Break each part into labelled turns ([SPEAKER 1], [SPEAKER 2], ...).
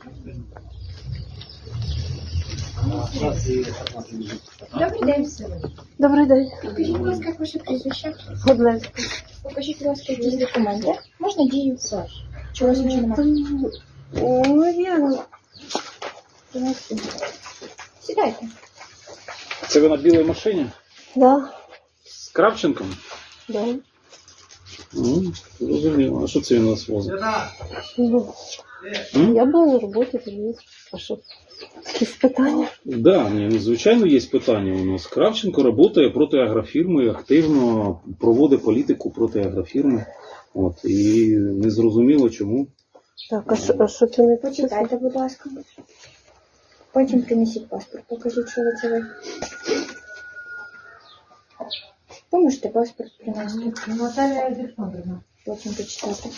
[SPEAKER 1] Добрий день.
[SPEAKER 2] Добрий день.
[SPEAKER 1] Покажіть, будь ласка, як ваше прізвище.
[SPEAKER 2] Годлевська.
[SPEAKER 1] Покажіть, будь ласка, якісь документи. Можна дію? Чи у вас нічого немає?
[SPEAKER 2] Ну, я...
[SPEAKER 1] Сідайте.
[SPEAKER 3] Це ви на білій машині?
[SPEAKER 2] Да.
[SPEAKER 3] З Кравченком?
[SPEAKER 2] Да.
[SPEAKER 3] Ну, зрозуміло. А що це він у нас возить?
[SPEAKER 2] Ну, я була на роботі, тоді. А що? Якісь питання?
[SPEAKER 3] Да, ні, звичайно, є питання у нас. Кравченко працює проти агрофірми, активно проводить політику проти агрофірми. От, і не зрозуміло чому.
[SPEAKER 2] Так, а що це не
[SPEAKER 1] Почитайте, будь ласка. Потім принесіть паспорт. Покажіть, що ви. Ви можете паспорт принести.
[SPEAKER 4] Наталья Александровна.
[SPEAKER 1] Потім почитати.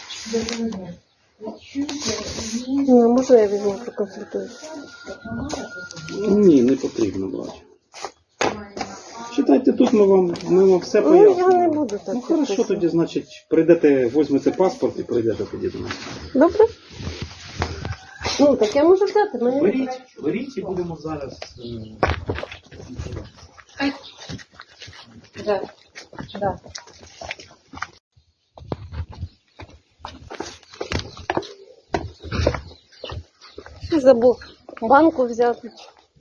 [SPEAKER 2] Ну, можна я візьму проконсультуюсь?
[SPEAKER 3] Ні, не потрібно брати. Читайте тут, ми вам все
[SPEAKER 2] Ну, я не
[SPEAKER 3] пояснимо.
[SPEAKER 2] буду так.
[SPEAKER 3] Ну, хорошо,
[SPEAKER 2] підписувати.
[SPEAKER 3] тоді, значить, прийдете, візьмете паспорт і прийдете тоді до нас.
[SPEAKER 2] Добре? Ну, так я можу взяти, мене не треба.
[SPEAKER 3] Беріть і будемо зараз.
[SPEAKER 4] Да. Да.
[SPEAKER 2] Забув банку взяти.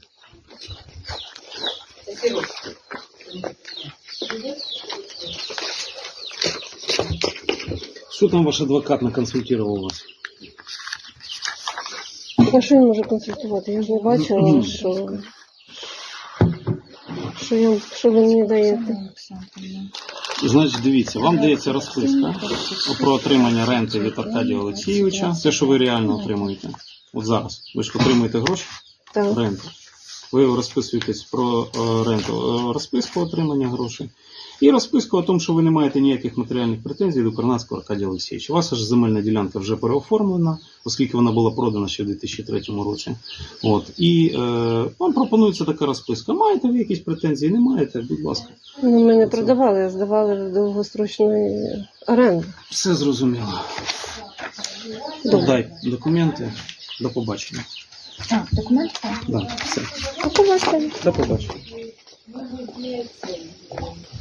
[SPEAKER 3] Що там ваш адвокат наконсультував вас?
[SPEAKER 2] А що він може консультувати? Я ж не бачила, що ви мені даєте.
[SPEAKER 3] Значить, дивіться, вам дається розписка про отримання ренти від Аркадія Олексійовича. Це, що ви реально отримуєте. От зараз. Ви ж отримуєте гроші?
[SPEAKER 2] Так.
[SPEAKER 3] Ренту. Ви розписуєтесь про ренту, розписку отримання грошей. І розписку о тому, що ви не маєте ніяких матеріальних претензій до Корнацького Аркадія Олексійовича. У вас ж земельна ділянка вже переоформлена, оскільки вона була продана ще в 2003 році. От. І вам пропонується така розписка. Маєте ви якісь претензії? Не маєте? Будь ласка.
[SPEAKER 2] Ну, ми не продавали, а здавали в довгострочної оренди.
[SPEAKER 3] Все зрозуміло.
[SPEAKER 2] Добре.
[SPEAKER 3] Дай документи. До побачення.
[SPEAKER 1] А, документи?
[SPEAKER 3] Да, все.
[SPEAKER 2] До побачення.
[SPEAKER 3] До побачення.